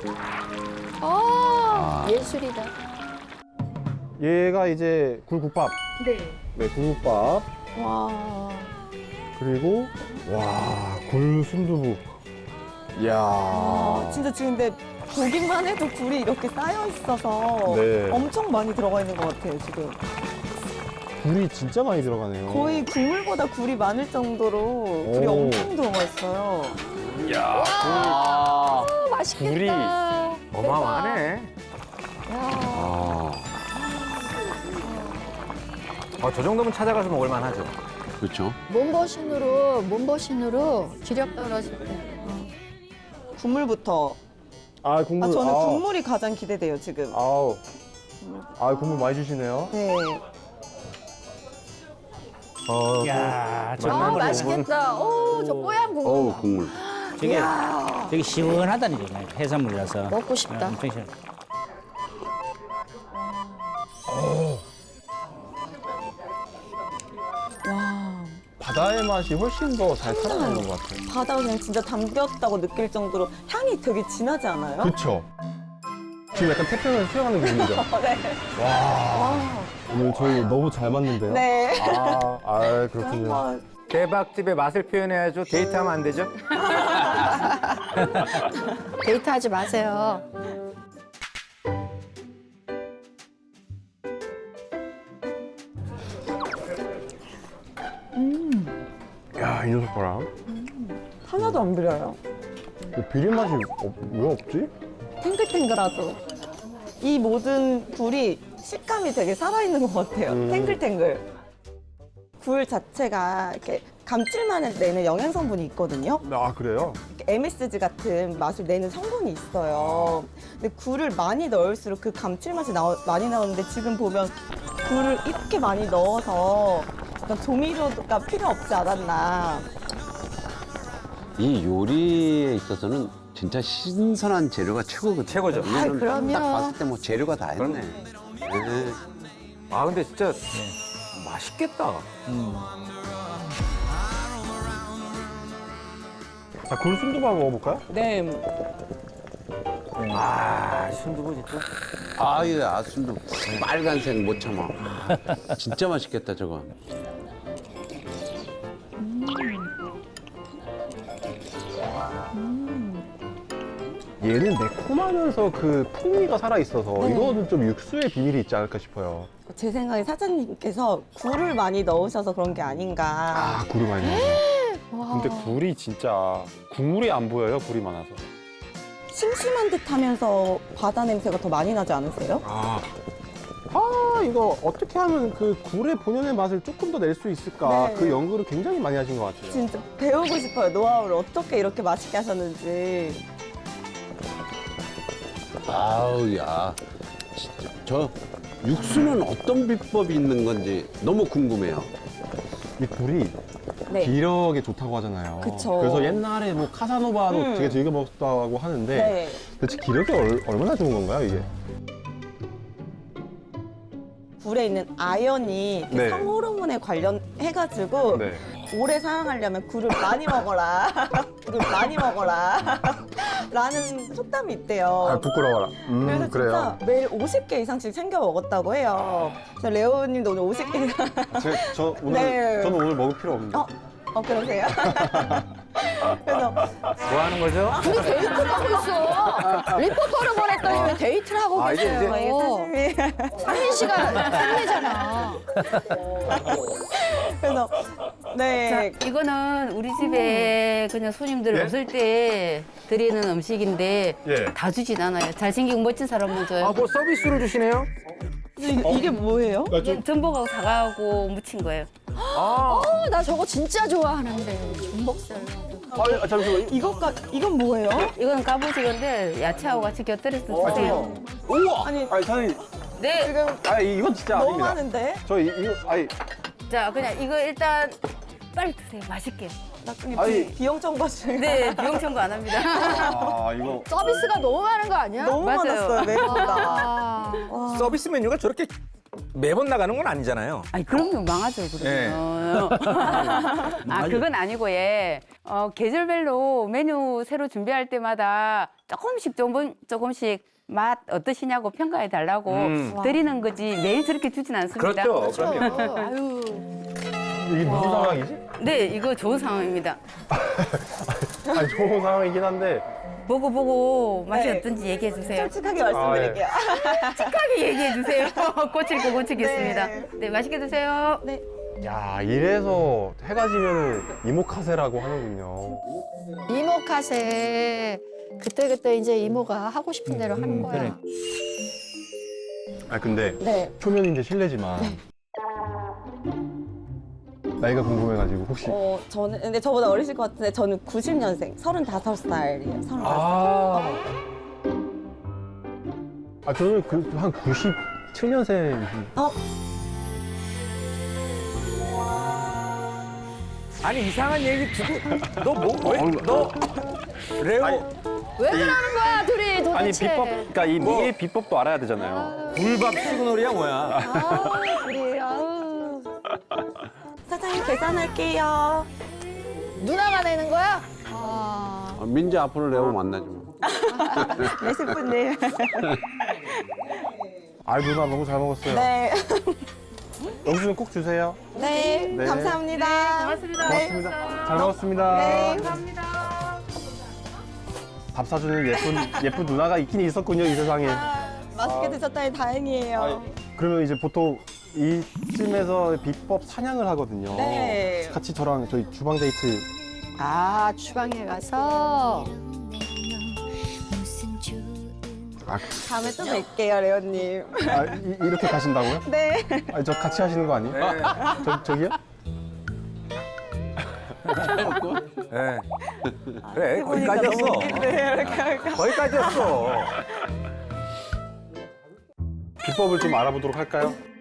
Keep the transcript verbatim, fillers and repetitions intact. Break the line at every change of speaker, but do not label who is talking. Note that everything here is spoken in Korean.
아, 예술이다.
얘가 이제 굴국밥.
네.
네, 굴국밥.
와.
그리고 와, 굴 순두부. 이야.
아, 진짜 지금 근데 보기만 해도 굴이 이렇게 쌓여 있어서
네.
엄청 많이 들어가 있는 것 같아요, 지금.
굴이 진짜 많이 들어가네요.
거의 국물보다 굴이 많을 정도로 굴이
오.
엄청 들어가 있어요.
야,
아, 맛있겠다.
굴이
대박.
어마어마하네.
야.
아. 어, 저 정도면 찾아가서 먹을만 하죠.
그렇죠.
몸보신으로, 몸보신으로 기력 떨어질 때.
국물부터.
아, 국물.
아, 저는
아.
국물이 가장 기대돼요, 지금.
아우. 아, 국물 많이 주시네요.
네.
어,
야,
아,
정말
맛있겠다. 오, 저 뽀얀 국물.
어우, 국물.
저게 되게 시원하다니 정말 해산물이라서
먹고 싶다.
어, 엄청 시원.
와.
바다의 맛이 훨씬 더 잘 살아나는 것 같아요.
바다가 그냥 진짜 담겼다고 느낄 정도로 향이 되게 진하지 않아요?
그쵸? 지금 약간 태평양에서 수영하는 기분이죠?
네.
와. 오늘 저희 너무 잘 맞는데요?
네.
아, 아 그렇군요.
한번
대박집의 맛을 표현해야죠. 데이트하면 안 되죠?
데이트하지 마세요.
야, 이 녀석 봐라.
하나도 안 비려요.
비린 맛이 없, 왜 없지?
탱글탱글하죠. 이 모든 굴이 식감이 되게 살아있는 것 같아요.
음.
탱글탱글. 굴 자체가 이렇게 감칠맛을 내는 영양 성분이 있거든요.
아, 그래요?
엠에스지 같은 맛을 내는 성분이 있어요. 근데 굴을 많이 넣을수록 그 감칠맛이 나오, 많이 나오는데 지금 보면 굴을 이렇게 많이 넣어서 약간 조미료가 필요 없지 않았나.
이 요리에 있어서는 진짜 신선한 재료가 최고거든요.
최고죠.
이거는
아이, 그럼요.
딱 봤을 때 뭐 재료가 다 했네. 네.
아, 근데 진짜 맛있겠다.
자, 굴 순두부 한번 먹어볼까요?
네.
아, 순두부 진짜.
아유, 아순도 빨간색 못 참아. 진짜 맛있겠다, 저거.
얘는 매콤하면서 그 풍미가 살아있어서
네.
이거는 좀 육수의 비밀이 있지 않을까 싶어요.
제 생각에 사장님께서 굴을 많이 넣으셔서 그런 게 아닌가.
아, 굴을 많이 넣어서. 근데 굴이 진짜 국물이 안 보여요, 굴이 많아서.
심심한 듯 하면서 바다 냄새가 더 많이 나지 않으세요?
아, 아 이거 어떻게 하면 그 굴의 본연의 맛을 조금 더 낼 수 있을까?
네.
그 연구를 굉장히 많이 하신 것 같아요.
진짜 배우고 싶어요. 노하우를 어떻게 이렇게 맛있게 하셨는지.
아우, 야. 진짜. 저 육수는 어떤 비법이 있는 건지 너무 궁금해요.
이 굴이
네.
기력에 좋다고 하잖아요.
그쵸.
그래서 옛날에 뭐 카사노바도
음.
되게 즐겨 먹었다고 하는데
네.
도대체 기력에 얼, 얼마나 좋은 건가요, 이게?
굴에 있는 아연이 이렇게
네.
성호르몬에 관련해가지고
네.
오래 사랑하려면 굴을 많이 먹어라. 굴을 많이 먹어라. 라는 속담이 있대요.
아, 부끄러워라. 음,
그래서
그래요.
진짜 매일 오십 개 이상씩 챙겨 먹었다고 해요. 저 레오님도 오늘 오십 개 이상.
제, 저 오늘,
네.
저는 오늘 먹을 필요 없는데.
어, 어 그러세요? 그래서
뭐 하는 거죠?
둘이 데이트를 하고 있어. 리포터를 보냈더니 왜 데이트를 하고
아, 이게
계세요?
어, 이게 사실이.
상민 씨가 상미잖아.
그래서 네.
자, 이거는 우리 집에 그냥 손님들
예?
오실 때 드리는 음식인데
예.
다 주진 않아요. 잘생기고 멋진 사람만 줘요.
아, 뭐 서비스로 주시네요?
이- 이게 뭐예요?
이게 전복하고 사과하고 무친 거예요.
아,
어, 나 저거 진짜 좋아하는데. 전복살.
아, 잠시만.
이것까 이건 뭐예요?
이거는 까부지건데 야채하고 같이 곁들여서 드세요.
우와!
아니
아니, 사장님.
네.
지금
아, 이건 진짜
너무
아닙니다.
많은데?
저 이, 이거, 아니,
자, 그냥 이거 일단 빨리 드세요. 맛있게.
나중에
아니.
비, 비용 청구 중에
네, 비용 청구 안 합니다.
아, 이거.
서비스가 너무 많은 거 아니야?
너무
맞아요.
많았어요 메뉴가.
아,
와.
서비스 메뉴가 저렇게 매번 나가는 건 아니잖아요.
아니 그럼요 망하죠 그러면. 아 그건 아니고 예. 어, 계절별로 메뉴 새로 준비할 때마다 조금씩 조금 조금씩 맛 어떠시냐고 평가해 달라고
음.
드리는 거지 매일 저렇게 주진 않습니다.
그렇죠. 그럼요.
아유.
이게 무슨 상황이지?
네 이거 좋은 상황입니다.
아니 좋은 상황이긴 한데
보고 보고 맛이
네.
어떤지 얘기해 주세요.
솔직하게 말씀드릴게요.
솔직하게 얘기해 주세요. 고칠 거 고치겠습니다.
네.
네 맛있게 드세요.
네.
야 이래서 해가 지면 이모카세라고 하는군요.
이모카세 그때그때 이제 이모가 하고 싶은 대로 하는 거야.
그래.
아 근데
네.
초면인데 실례지만 나이가 궁금해가지고 혹시
어, 저는 근데 저보다 어리실 것 같은데 저는 구십 년생, 서른다섯 살이에요. 서른다섯 살.
아, 아 저는 그 한 구십칠 년생.
어,
아니 이상한 얘기 듣고 너 뭐? 왜? 너 레오
왜 그러는 거야 둘이 도대체?
아니 비법, 그러니까 이 미의 비법도 알아야 되잖아요.
불밥 시그널이야 뭐야?
아 둘이 아우
사장님 계산할게요.
누나가 내는 거야? 아
아, 민지 앞으로 레오 만나지 뭐.
레시프님.
아 누나 너무 잘 먹었어요.
네.
영수증 꼭 주세요.
네.
네.
감사합니다.
고맙습니다.
고맙습니다. 잘 먹었습니다.
네.
밥 사주는 예쁜 예쁜 누나가 있긴 있었군요 이 세상에.
맛있게 드셨다니 다행이에요.
그러면 이제 보통 이쯤에서 비법 사냥을 하거든요.
네.
같이 저랑 저희 주방 데이트.
아 주방에 가서
아,
다음에 또 뵐게요, 레오님.
아 이, 이렇게 가신다고요?
네.
아니 저 같이 하시는 거 아니에요?
네.
저 저기요?
네. 그래 거기까지였어.
네, 이렇게 할까?
거기까지였어.
비법을 좀 알아보도록 할까요?